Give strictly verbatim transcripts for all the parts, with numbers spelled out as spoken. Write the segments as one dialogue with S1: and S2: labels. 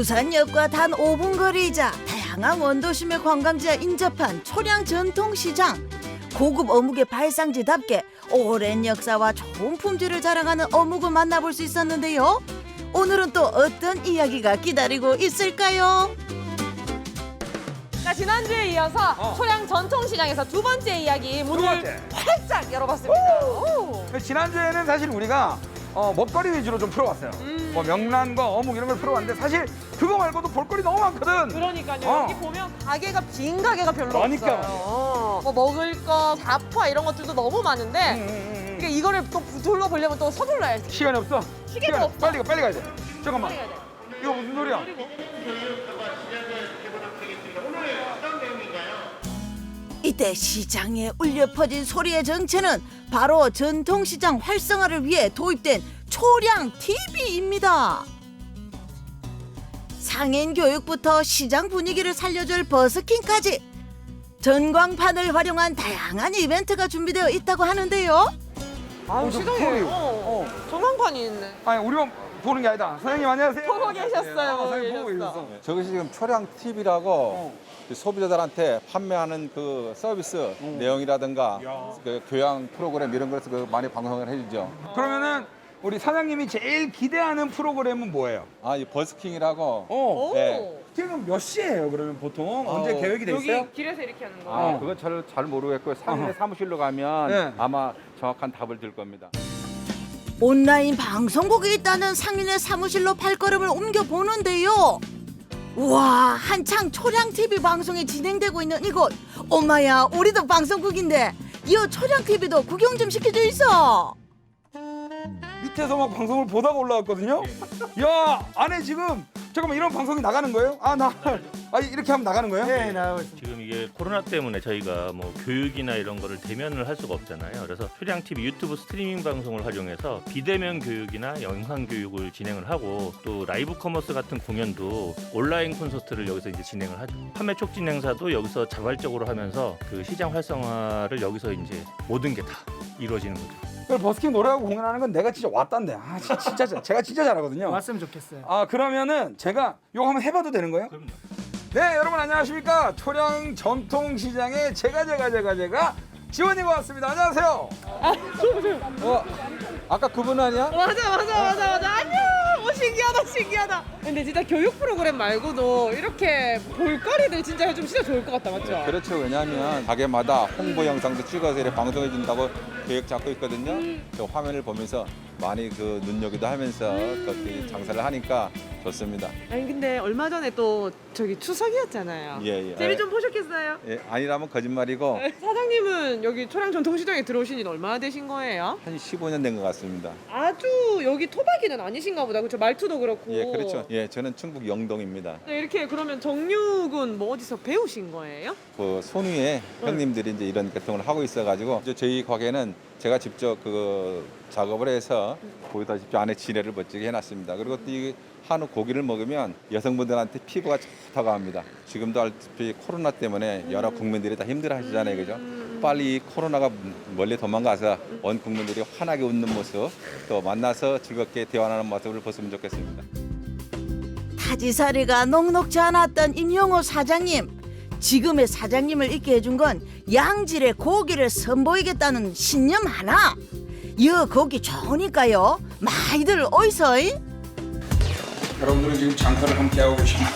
S1: 부산역과 단 오 분 거리이자 다양한 원도심의 관광지와 인접한 초량 전통시장. 고급 어묵의 발상지답게 오랜 역사와 좋은 품질을 자랑하는 어묵을 만나볼 수 있었는데요. 오늘은 또 어떤 이야기가 기다리고 있을까요?
S2: 자, 지난주에 이어서
S3: 어.
S2: 초량 전통시장에서 두 번째 이야기 문을
S3: 번째.
S2: 활짝 열어봤습니다. 오.
S3: 지난주에는 사실 우리가 어, 먹거리 위주로 좀 풀어봤어요.
S2: 음.
S3: 뭐 명란과 어묵 이런 걸 풀어봤는데 사실 그거 말고도 볼거리 너무 많거든.
S2: 그러니까요.
S3: 어.
S2: 여기 보면 가게가 빈 가게가 별로
S3: 그러니까
S2: 없어요. 어. 뭐 먹을 거, 잡화 이런 것들도 너무 많은데
S3: 음, 음, 음.
S2: 그러니까 이거를 또 둘러보려면 또 서둘러야지.
S3: 시간이 없어.
S2: 시계도
S3: 시간이
S2: 없어.
S3: 빨리 가, 빨리 가야 돼. 잠깐만.
S2: 빨리 가야 돼.
S3: 이거 무슨 소리야?
S1: 이때 시장에 울려 퍼진 소리의 정체는 바로 전통시장 활성화를 위해 도입된 초량 티비입니다. 상인 교육부터 시장 분위기를 살려줄 버스킹까지 전광판을 활용한 다양한 이벤트가 준비되어 있다고 하는데요.
S2: 아유,
S3: 어, 저
S2: 시장에
S3: 소리.
S2: 어.
S3: 어.
S2: 전광판이 있네.
S3: 아니 우리만 보는 게 아니다. 사장님 안녕하세요.
S2: 보고 계셨어요.
S3: 어,
S2: 보고
S3: 사장님 보고
S2: 계셨어.
S3: 계셨어.
S4: 저것이 지금 초량 티비라고
S3: 어.
S4: 소비자들한테 판매하는 그 서비스 내용이라든가
S3: 야.
S4: 그 교양 프로그램 이런 것을 그 많이 방송을 해주죠.
S3: 그러면은 우리 사장님이 제일 기대하는 프로그램은 뭐예요?
S4: 아, 이 버스킹이라고.
S3: 어.
S2: 오.
S4: 네.
S3: 지금 몇 시예요? 그러면 보통 언제
S4: 어,
S3: 계획이 돼 있어요?
S2: 여기 길에서 이렇게 하는 거.
S4: 아,
S3: 어.
S4: 그건 잘, 잘 모르겠고요. 상인의
S3: 어허.
S4: 사무실로 가면
S3: 네.
S4: 아마 정확한 답을 들 겁니다.
S1: 온라인 방송국이 있다는 상인의 사무실로 발걸음을 옮겨보는데요. 우와, 한창 초량티비 방송이 진행되고 있는 이곳. 엄마야, 우리도 방송국인데 이 초량티비도 구경 좀 시켜줘 있어.
S3: 밑에서 막 방송을 보다가 올라왔거든요. 야, 안에 지금 잠깐만 이런 방송이 나가는 거예요? 아, 나 아, 이렇게 하면 나가는 거예요? 네, 나가고 있습니다.
S5: 지금 이게 코로나 때문에 저희가 뭐 교육이나 이런 거를 대면을 할 수가 없잖아요. 그래서 효량티비 유튜브 스트리밍 방송을 활용해서 비대면 교육이나 영상 교육을 진행을 하고 또 라이브 커머스 같은 공연도 온라인 콘서트를 여기서 이제 진행을 하죠. 판매 촉진 행사도 여기서 자발적으로 하면서 그 시장 활성화를 여기서 이제 모든 게 다 이루어지는 거죠.
S3: 그 버스킹 노래하고 공연하는 건 내가 진짜 왔단데. 아, 진- 진짜 잘- 제가 진짜 잘하거든요.
S6: 왔으면 좋겠어요.
S3: 아, 그러면은 제가 이거 한번 해봐도 되는 거예요?
S5: 그럼요.
S3: 네, 여러분 안녕하십니까? 초량 전통시장의 제가 제가 제가 제가 지원이가 왔습니다. 안녕하세요.
S4: 어, 아까 그분 아니야?
S2: 맞아, 맞아, 맞아, 맞아. 안녕. 오, 신기하다, 신기하다. 근데 진짜 교육 프로그램 말고도 이렇게 볼거리들 진짜 해주면 진짜 좋을 것 같다, 맞죠?
S4: 그렇죠. 왜냐하면 가게마다 홍보 영상도 찍어서 이렇게 방송해 준다고 계획 잡고 있거든요. 그 화면을 보면서 많이 그 눈여기도 하면서 그렇게 장사를 하니까 좋습니다.
S2: 아니 근데 얼마 전에 또 저기 추석이었잖아요.
S4: 예, 예.
S2: 재미 좀 보셨겠어요?
S4: 예, 아니라면 거짓말이고
S2: 사장님은 여기 초량 전통시장에 들어오신 지 얼마나 되신 거예요?
S4: 한 십오 년 된 것 같습니다.
S2: 아주 여기 토박이는 아니신가 보다. 그렇죠? 말투도 그렇고.
S4: 예, 그렇죠. 예, 저는 충북 영동입니다.
S2: 네, 이렇게 그러면 정육은 뭐 어디서 배우신 거예요?
S4: 그 손위에 형님들이 이제 이런 계통을 하고 있어가지고 이제 저희 가게는 제가 직접 그 작업을 해서 보다시피 안에 지뢰를 멋지게 해놨습니다. 그리고 또 이 한우 고기를 먹으면 여성분들한테 피부가 좋다고 합니다. 지금도 알다시피 코로나 때문에 여러 국민들이 다 힘들어하시잖아요, 그죠? 빨리 이 코로나가 멀리 도망가서 온 국민들이 환하게 웃는 모습 또 만나서 즐겁게 대화하는 모습을 보시면 좋겠습니다.
S1: 타지살이가 녹록지 않았던 임용호 사장님. 지금의 사장님을 있게 해준 건 양질의 고기를 선보이겠다는 신념 하나. 이 고기 좋으니까요. 많이들 어이서.
S3: 여러분들은 지금 장사를 함께하고 계십니다.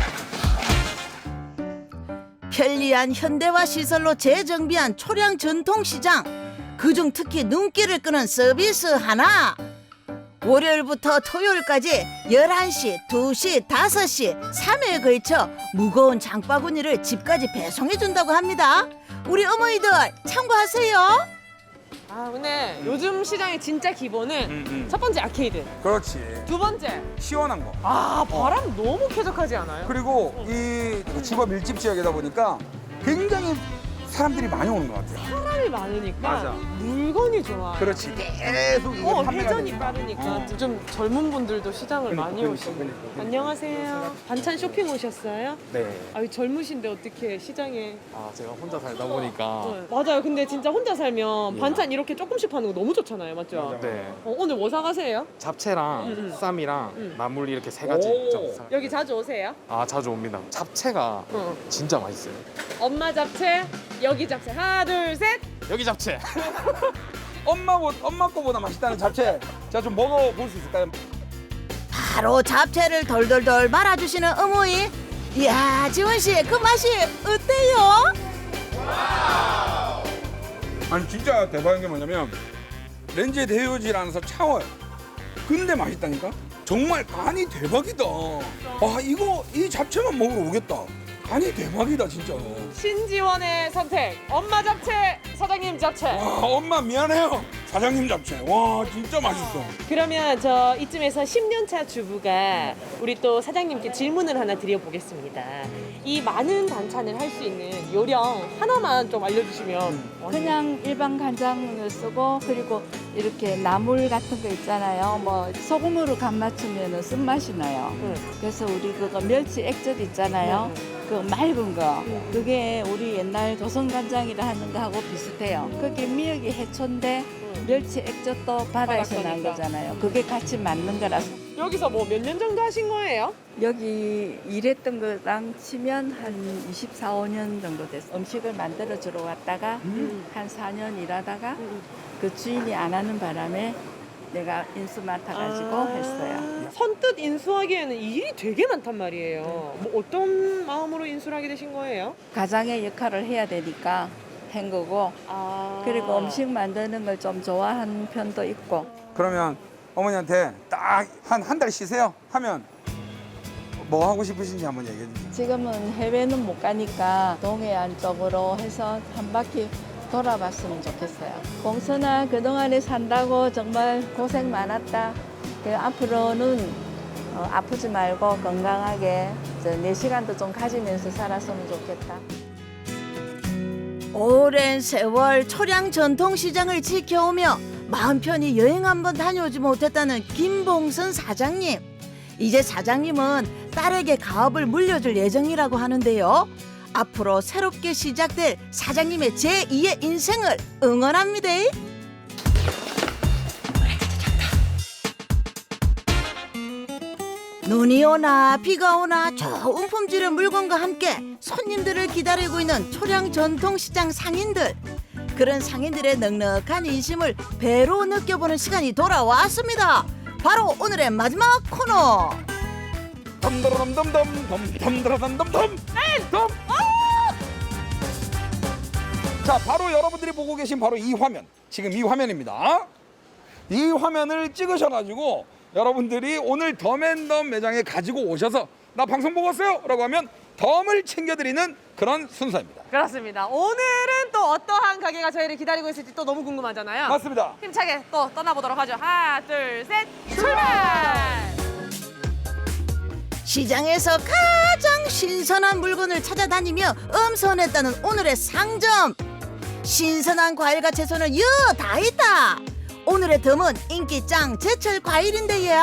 S1: 편리한 현대화 시설로 재정비한 초량 전통시장. 그중 특히 눈길을 끄는 서비스 하나. 월요일부터 토요일까지 열한 시, 두 시, 다섯 시 삼 회에 걸쳐 무거운 장바구니를 집까지 배송해준다고 합니다. 우리 어머니들 참고하세요.
S2: 아 근데 요즘 시장의 진짜 기본은
S3: 음, 음.
S2: 첫 번째 아케이드,
S3: 그렇지.
S2: 두 번째
S3: 시원한 거.
S2: 아 바람 너무 쾌적하지 않아요?
S3: 그리고 이 집업 밀집 지역이다 보니까 굉장히 사람들이 많이 오는 것 같아요.
S2: 사람이 많으니까
S3: 맞아.
S2: 물건이 좋아.
S3: 그렇지. 계속 이게
S2: 어,
S3: 판매가
S2: 회전이
S3: 되니까.
S2: 빠르니까
S3: 어.
S2: 좀 젊은 분들도 시장을
S3: 그러니까,
S2: 많이
S3: 그러니까,
S2: 오시고.
S3: 그러니까, 그러니까.
S2: 안녕하세요. 반찬 쇼핑 오셨어요?
S6: 네.
S2: 아유 젊으신데 어떻게 시장에?
S6: 아 제가 혼자 살다 보니까
S2: 네. 맞아요. 근데 진짜 혼자 살면 반찬 이렇게 조금씩 파는 거 너무 좋잖아요, 맞죠?
S6: 네
S2: 어, 오늘 뭐 사가세요?
S6: 잡채랑
S2: 음, 음.
S6: 쌈이랑
S2: 음.
S6: 나물 이렇게 세 가지
S3: 오.
S6: 좀 사.
S2: 여기 자주 오세요?
S6: 아 자주 옵니다. 잡채가
S2: 어.
S6: 진짜 맛있어요.
S2: 엄마 잡채, 여기 잡채. 하나, 둘, 셋.
S6: 여기 잡채.
S3: 엄마 보- 엄마 거보다 맛있다는 잡채. 제가 좀 먹어볼 수 있을까요?
S1: 바로 잡채를 돌돌돌 말아주시는 어머니. 이야, 지원 씨, 그 맛이 어때요?
S3: 아니 진짜 대박인 게 뭐냐면 렌즈에 데우질 않아서 차워요. 근데 맛있다니까? 정말 간이 대박이다. 아 이거 이 잡채만 먹으러 오겠다. 간이 대박이다 진짜.
S2: 신지원의 선택. 엄마 잡채, 사장님 잡채.
S3: 와 엄마 미안해요. 사장님 잡채. 와 진짜 맛있어.
S2: 그러면 저 이쯤에서 십 년 차 주부가 우리 또 사장님께 질문을 하나 드려보겠습니다. 이 많은 반찬을 할 수 있는 요령 하나만 좀 알려주시면.
S7: 그냥 일반 간장을 쓰고 그리고 이렇게 나물 같은 거 있잖아요. 뭐 소금으로 간 맞추면 쓴맛이 나요.
S2: 응.
S7: 그래서 우리 그거 멸치 액젓 있잖아요. 그 맑은 거. 그게 우리 옛날 조선 간장이라 하는 거하고 비슷해요. 그게 미역이 해초인데 멸치 액젓도 바다에서 난
S2: 바닷가니까.
S7: 거잖아요. 그게 같이 맞는 거라서.
S2: 여기서 뭐 몇 년 정도 하신 거예요?
S7: 여기 일했던 거랑 치면 한 이십사, 오 년 정도 됐어요. 음식을 만들어 주러 왔다가 한 사 년 일하다가 그 주인이 안 하는 바람에 내가 인수 맡아가지고
S2: 아,
S7: 했어요.
S2: 선뜻 인수하기에는 이 일이 되게 많단 말이에요. 뭐 어떤 마음으로 인수를 하게 되신 거예요?
S7: 가장의 역할을 해야 되니까 한 거고
S2: 아.
S7: 그리고 음식 만드는 걸 좀 좋아하는 편도 있고
S3: 그러면 어머니한테 딱 한 한 달 쉬세요 하면 뭐 하고 싶으신지 한번 얘기해 주세요.
S7: 지금은 해외는 못 가니까 동해안 쪽으로 해서 한 바퀴 돌아봤으면 좋겠어요. 공선아 그동안에 산다고 정말 고생 많았다. 그 앞으로는 어, 아프지 말고 건강하게 이제 내 시간도 좀 가지면서 살았으면 좋겠다.
S1: 오랜 세월 초량 전통시장을 지켜오며 마음 편히 여행 한번 다녀오지 못했다는 김봉선 사장님. 이제 사장님은 딸에게 가업을 물려줄 예정이라고 하는데요. 앞으로 새롭게 시작될 사장님의 제이의 인생을 응원합니다. 눈이 오나 비가 오나 좋은 품질의 물건과 함께 손님들을 기다리고 있는 초량 전통시장 상인들. 그런 상인들의 넉넉한 인심을 배로 느껴보는 시간이 돌아왔습니다. 바로 오늘의 마지막 코너.
S3: 덤더럼덤덤 덤덤더럼덤덤 덤. 자 바로 여러분들이 보고 계신 바로 이 화면, 지금 이 화면입니다. 이 화면을 찍으셔가지고 여러분들이 오늘 덤앤덤 매장에 가지고 오셔서 나 방송 보고 왔어요 라고 하면 덤을 챙겨드리는 그런 순서입니다.
S2: 그렇습니다. 오늘은 또 어떠한 가게가 저희를 기다리고 있을지 또 너무 궁금하잖아요.
S3: 맞습니다.
S2: 힘차게 또 떠나보도록 하죠. 하나, 둘, 셋, 출발!
S1: 시장에서 가장 신선한 물건을 찾아다니며 엄선했다는 오늘의 상점. 신선한 과일과 채소는 여 다 있다. 오늘의 덤은 인기 짱 제철 과일인데요.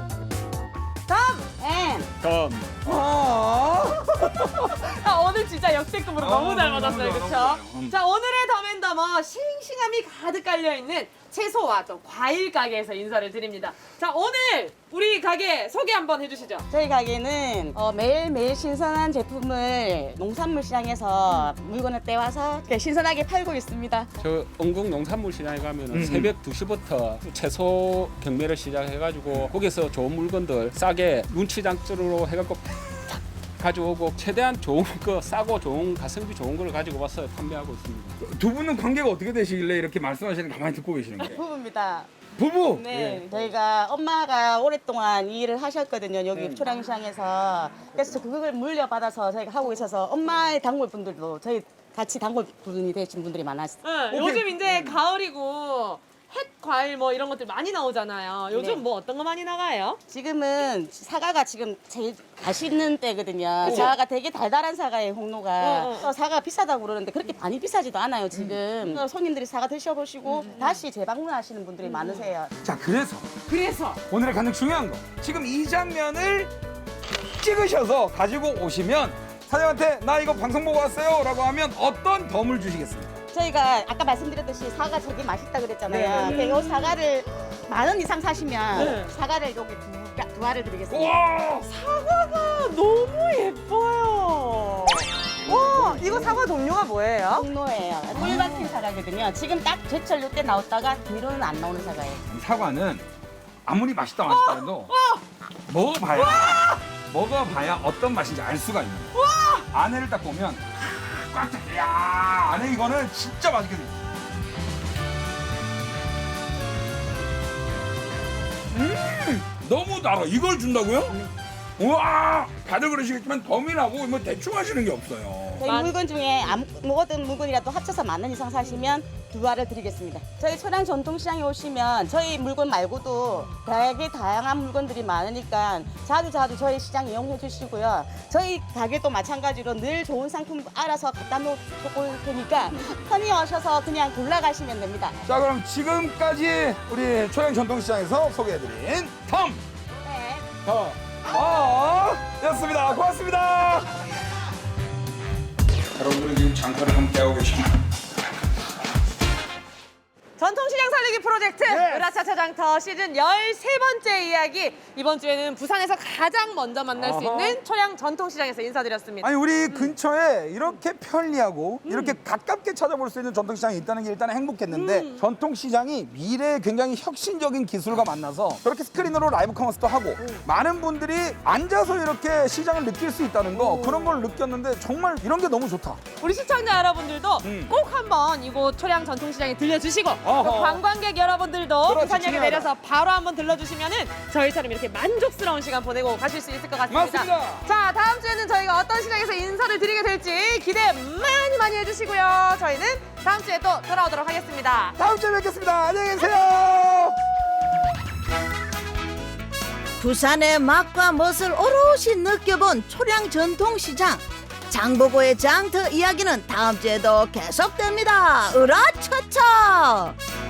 S6: 덤.
S3: 아
S2: 아, 오늘 진짜 역대급으로
S3: 아,
S2: 너무 잘
S3: 너무
S2: 맞았어요.
S3: 좋아,
S2: 그렇죠?
S3: 너무 좋아요. 음.
S2: 자, 오늘의 더맨더머 싱싱함이 가득 깔려있는 채소와 또 과일 가게에서 인사를 드립니다. 자, 오늘 우리 가게 소개 한번 해주시죠.
S8: 저희 가게는 어, 매일매일 신선한 제품을 농산물 시장에서 물건을 떼와서 이렇게 신선하게 팔고 있습니다.
S9: 저 영국 농산물 시장에 가면은
S3: 음.
S9: 새벽 두 시부터 채소 경매를 시작해가지고 거기서 좋은 물건들 싸게 눈치장으로 해갖고 탁 가져오고 최대한 좋은 거 싸고 좋은 가성비 좋은 걸 가지고 와서 판매하고 있습니다.
S3: 두 분은 관계가 어떻게 되시길래 이렇게 말씀하시는 거 가만히 듣고 계시는 거예요?
S8: 부부입니다.
S3: 부부.
S8: 네, 저희가 엄마가 오랫동안 이 일을 하셨거든요. 여기 초량시장에서. 그래서 그걸 물려받아서 저희가 하고 있어서 엄마의 단골분들도 저희 같이 단골분이 되신 분들이 많았어요.
S2: 응, 요즘 이제 가을이고 햇 과일 뭐 이런 것들 많이 나오잖아요. 요즘
S8: 네.
S2: 뭐 어떤 거 많이 나가요?
S8: 지금은 사과가 지금 제일 맛있는 때거든요.
S2: 그죠?
S8: 사과가 되게 달달한 사과예요, 홍로가.
S2: 어, 어.
S8: 또 사과가 비싸다고 그러는데 그렇게 많이 비싸지도 않아요, 지금. 또 손님들이 사과 드셔보시고 다시 재방문하시는 분들이 많으세요.
S3: 자, 그래서
S2: 그래서
S3: 오늘의 가장 중요한 거 지금 이 장면을 찍으셔서 가지고 오시면 사장님한테 나 이거 방송 보고 왔어요 라고 하면 어떤 덤을 주시겠습니까?
S8: 저희가 아까 말씀드렸듯이 사과 되게 맛있다 그랬잖아요.
S3: 네.
S8: 이 사과를 만 원 이상 사시면
S2: 네.
S8: 사과를 여기 두, 가- 두 알을 드리겠습니다.
S3: 와
S2: 사과가 너무 예뻐요. 와, 이거 사과 종류가 뭐예요?
S8: 홍로예요. 꿀 박힌 사과거든요. 지금 딱 제철 요때 나왔다가 뒤로는 안 나오는 사과예요.
S3: 이 사과는 아무리 맛있다 맛있다 해도 먹어봐야 먹어봐야 어떤 맛인지 알 수가 있는 거예요. 안에를 딱 보면 꽉 차. 야 안에 이거는 진짜 맛있게 생겼어. 음 너무 달아. 이걸 준다고요? 우와 다들 그러시겠지만 덤이라고 뭐 대충 하시는 게 없어요.
S8: 저희
S2: 만-
S8: 물건 중에 아무 뭐든 물건이라도 합쳐서 만 원 이상 사시면 두 알을 드리겠습니다. 저희 초량 전통시장에 오시면 저희 물건 말고도 되게 다양한 물건들이 많으니까 자주 자주 저희 시장 이용해 주시고요. 저희 가게도 마찬가지로 늘 좋은 상품 알아서 갖다 놓을 테니까 편히 오셔서 그냥 골라가시면 됩니다.
S3: 자 그럼 지금까지 우리 초양 전통시장에서 소개해드린 덤
S8: 네.
S3: 더, 어, 였습니다. 고맙습니다. 여러분들은 지금 장터를 함께하고 계십니다.
S2: 전통시장 살리기 프로젝트
S3: 예.
S2: 으라차차 장터 시즌 열세 번째 이야기. 이번 주에는 부산에서 가장 먼저 만날 수
S3: 어허.
S2: 있는 초량 전통시장에서 인사드렸습니다.
S3: 아니 우리 근처에 이렇게 편리하고 이렇게 가깝게 찾아볼 수 있는 전통시장이 있다는 게 일단 행복했는데 전통시장이 미래의 굉장히 혁신적인 기술과 만나서 저렇게 스크린으로 라이브 커머스도 하고 많은 분들이 앉아서 이렇게 시장을 느낄 수 있다는 거 그런 걸 느꼈는데 정말 이런 게 너무 좋다.
S2: 우리 시청자 여러분들도
S3: 음.
S2: 꼭 한번 이곳 초량 전통시장에 들려주시고
S3: 어허.
S2: 또 관광객 여러분들도
S3: 그렇지,
S2: 부산역에
S3: 중요하다.
S2: 내려서 바로 한번 들러주시면은 저희처럼 이렇게 만족스러운 시간 보내고 가실 수 있을 것 같습니다.
S3: 맞습니다.
S2: 자, 다음 주에는 저희가 어떤 시장에서 인사를 드리게 될지 기대 많이 많이 해주시고요. 저희는 다음 주에 또 돌아오도록 하겠습니다.
S3: 다음 주에 뵙겠습니다. 안녕히 계세요.
S1: 부산의 맛과 멋을 오롯이 느껴본 초량 전통시장. 장보고의 장터 이야기는 다음 주에도 계속됩니다. 으라차차!